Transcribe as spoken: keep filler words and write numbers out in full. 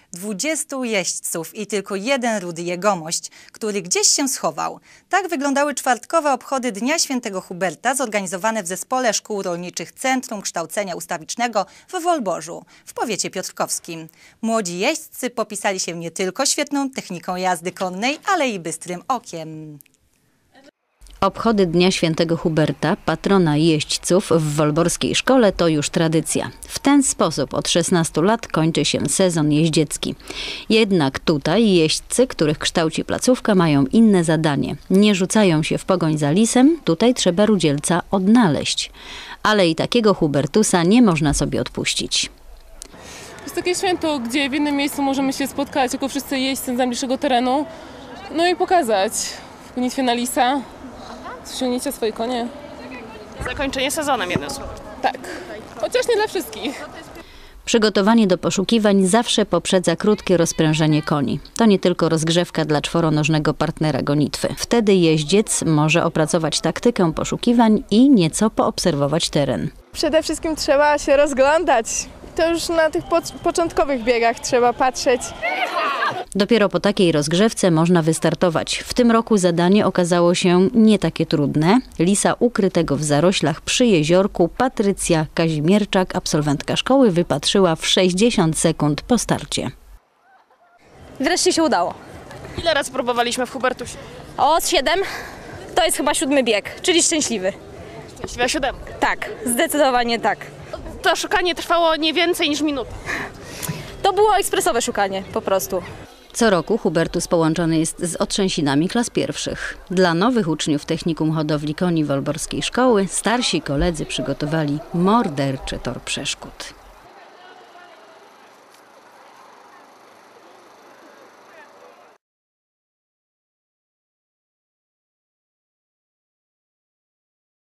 Dwudziestu jeźdźców i tylko jeden rudy jegomość, który gdzieś się schował. Tak wyglądały czwartkowe obchody Dnia Świętego Huberta zorganizowane w Zespole Szkół Rolniczych Centrum Kształcenia Ustawicznego w Wolborzu, w powiecie piotrkowskim. Młodzi jeźdźcy popisali się nie tylko świetną techniką jazdy konnej, ale i bystrym okiem. Obchody Dnia Świętego Huberta, patrona jeźdźców w wolborskiej szkole, to już tradycja. W ten sposób od szesnastu lat kończy się sezon jeździecki. Jednak tutaj jeźdźcy, których kształci placówka, mają inne zadanie. Nie rzucają się w pogoń za lisem, tutaj trzeba rudzielca odnaleźć. Ale i takiego Hubertusa nie można sobie odpuścić. To jest takie święto, gdzie w jednym miejscu możemy się spotkać jako wszyscy jeźdźcy z najbliższego terenu, no i pokazać gonitwę na lisa. Ściągnijcie swoje konie. Zakończenie sezonem, jednym słowem. Tak, chociaż nie dla wszystkich. Przygotowanie do poszukiwań zawsze poprzedza krótkie rozprężenie koni. To nie tylko rozgrzewka dla czworonożnego partnera gonitwy. Wtedy jeździec może opracować taktykę poszukiwań i nieco poobserwować teren. Przede wszystkim trzeba się rozglądać. To już na tych po początkowych biegach trzeba patrzeć. Dopiero po takiej rozgrzewce można wystartować. W tym roku zadanie okazało się nie takie trudne. Lisa ukrytego w zaroślach przy jeziorku Patrycja Kazimierczak, absolwentka szkoły, wypatrzyła w sześćdziesiąt sekund po starcie. Wreszcie się udało. Ile razy próbowaliśmy w Hubertusie? O, siedem. To jest chyba siódmy bieg, czyli szczęśliwy. Szczęśliwa siódemka. Tak, zdecydowanie tak. To szukanie trwało nie więcej niż minutę. To było ekspresowe szukanie, po prostu. Co roku Hubertus połączony jest z otrzęsinami klas pierwszych. Dla nowych uczniów Technikum Hodowli Koni Wolborskiej Szkoły starsi koledzy przygotowali morderczy tor przeszkód.